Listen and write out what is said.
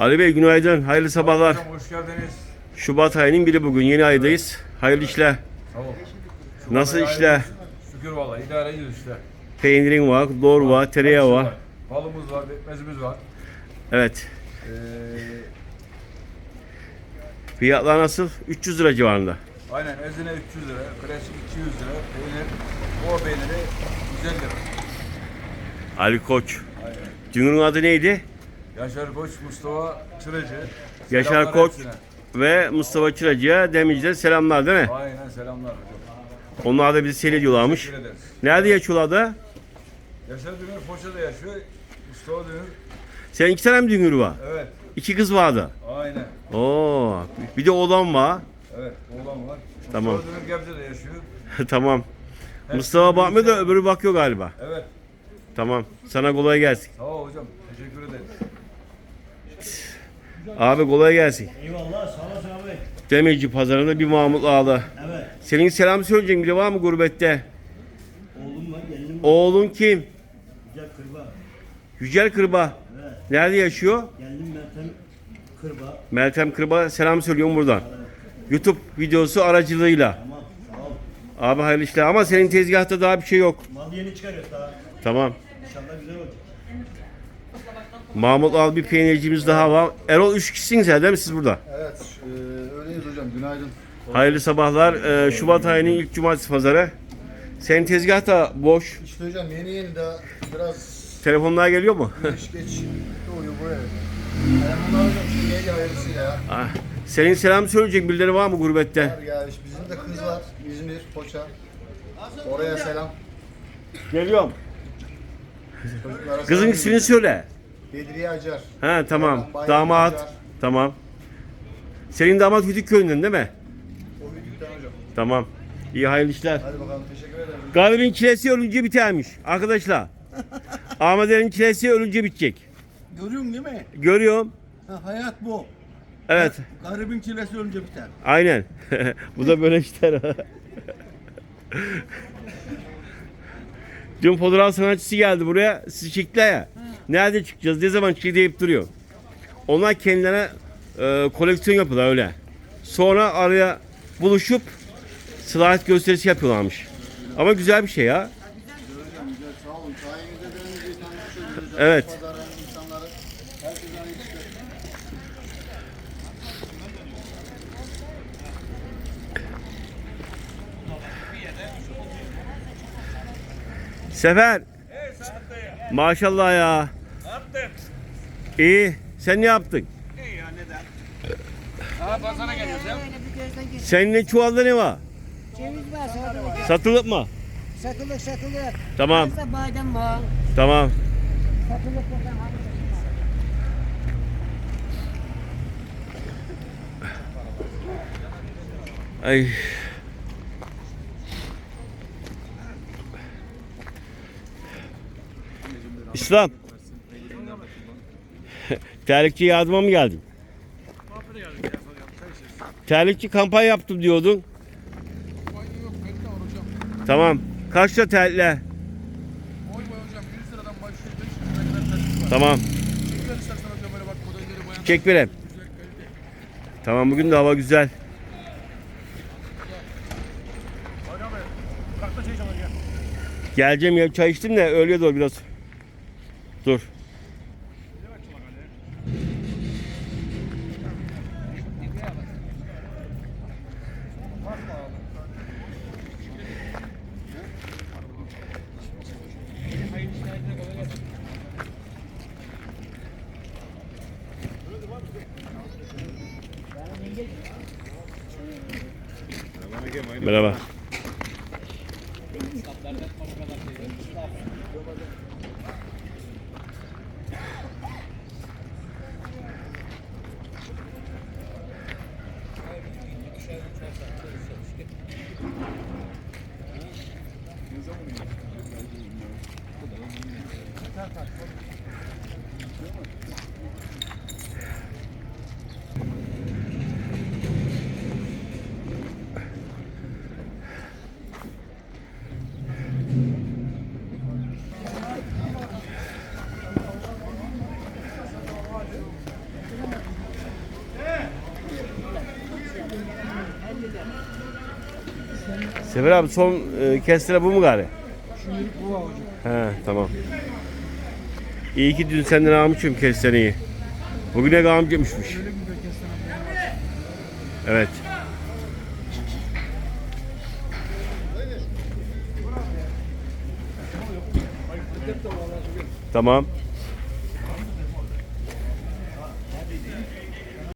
Ali Bey günaydın, hayırlı sabahlar. Hocam hoş geldiniz. Şubat ayının biri bugün, yeni aydayız. Hayırlı işler. Sağ ol. Nasıl işler? Şükür vallahi idare ediyoruz işte. Peynirin var, lor var, tereyağı var. Balımız var, pekmezimiz var. Evet. Ee, Fiyatlar nasıl? 300 lira civarında. aynen ezine 300 lira, klasik 200 lira, peynir, o peyniri 150 lira. Ali Koç. Aynen. Dünürün adı neydi? Yaşar Koç, Mustafa Çıracı. Yaşar Selamlar Koç hepsine. ve Mustafa Çıracı'ya Demirci'de selamlar değil mi? Aynen selamlar hocam. Onlar da bizi seyrediyorlarmış. Teşekkür ederiz. Nerede yaşıyorlar da? Yaşar Dünür Foça'da yaşıyor. Mustafa Dünür. Senin 2 tane mi dünür var? Evet. 2 kız vardı. Aynen. Oo, bir de oğlan var. Evet. Oğlan var. Tamam. Mustafa Dünür Gebze'de yaşıyor. Tamam. Mustafa bakmıyor da öbürü bakıyor galiba. Evet. Tamam. Sana kolay gelsin. Sağ ol hocam. Teşekkür ederiz. Abi kolay gelsin. Eyvallah, sağ olasın abi. Demirci pazarında bir Mahmut Ağa'da. Evet. Senin selam söyleyeceğin biri var mı gurbette? Oğlum var, gelinim var. Oğlun kim? Güzel kırba. Yücel Kırba. Evet. Nerede yaşıyor? Geldim Meltem kırba. Meltem Kırba selam söylüyorum buradan. YouTube videosu aracılığıyla. Tamam, sağ ol. Abi hayırlı işler ama senin tezgahta daha bir şey yok. Mal yeni çıkarıyor daha. Tamam. İnşallah güzel olacak. Mahmut Ağa'da bir peynircimiz daha var. Erol 3 kişisiniz değil mi siz burada? Evet, öyleyiz hocam. Günaydın. Hayırlı sabahlar. Şubat ayının ilk cumartesi pazarı. Senin tezgah da boş. İşte hocam yeni daha biraz Telefonlar geliyor mu? geç doğuyor buraya. Bunlar hocam şu neydi hayırlısıyla ya. Ah, senin selam söyleyecek birileri var mı gurbette? Ya işte bizim de kız var. İzmir, Foça. Oraya selam. Geliyorum. Çocuklara Kızın selam ismini söyle. Bedriye Acar. Ha tamam. Bayram Damat. Acar. Tamam. Senin damat Hüdükköy'ünden değil mi? O büyükten hocam. Tamam. İyi hayırlı işler. Hadi bakalım teşekkür ederim. Galibin çilesi ölünce bitermiş arkadaşlar. Ahmet'in çilesi ölünce bitecek. Görüyorsun değil mi? Görüyorum. Ha, hayat bu. Evet. Garibin çilesi önce biter. Aynen. Bu da böyle işler. Dün fotoğraf sanatçısı geldi buraya. Sizi çektiler ya. Nerede çıkacağız? Ne zaman çıkacağız deyip duruyor. Onlar kendilerine koleksiyon yapıyorlar öyle. Sonra araya buluşup slide gösterisi yapıyorlarmış. Ama güzel bir şey ya. Hocam güzel sağ olun. Sayenizde dönünce tanışıyoruz hocam. Evet. Pazarın insanları. Herkese hayırlı işler. Sefer. Maşallah ya. İyi. Sen ne yaptın? Senin çuvalda ne var? Ceviz var, satılık. Satılık mı? Satılık. Tamam. Fazla badem var. Tamam. Satılık buradan alırız. Ay. İslam. Terlikçi yardıma mı geldin? Terlikçi kampanya yaptım diyordun. Tamam. Kaç lira terlikler? Tamam. Çek verem. Tamam bugün de hava güzel. Geleceğim ya çay içtim de öğleye doğru biraz. Dur. Merhaba. Sefer abi son kestire bu mu gari? Şimdilik bu avucu. He tamam. İyi ki dün senden almışım kestireyi. Bugüne almışmışmış. Öyle bir kestane. Evet. Tamam.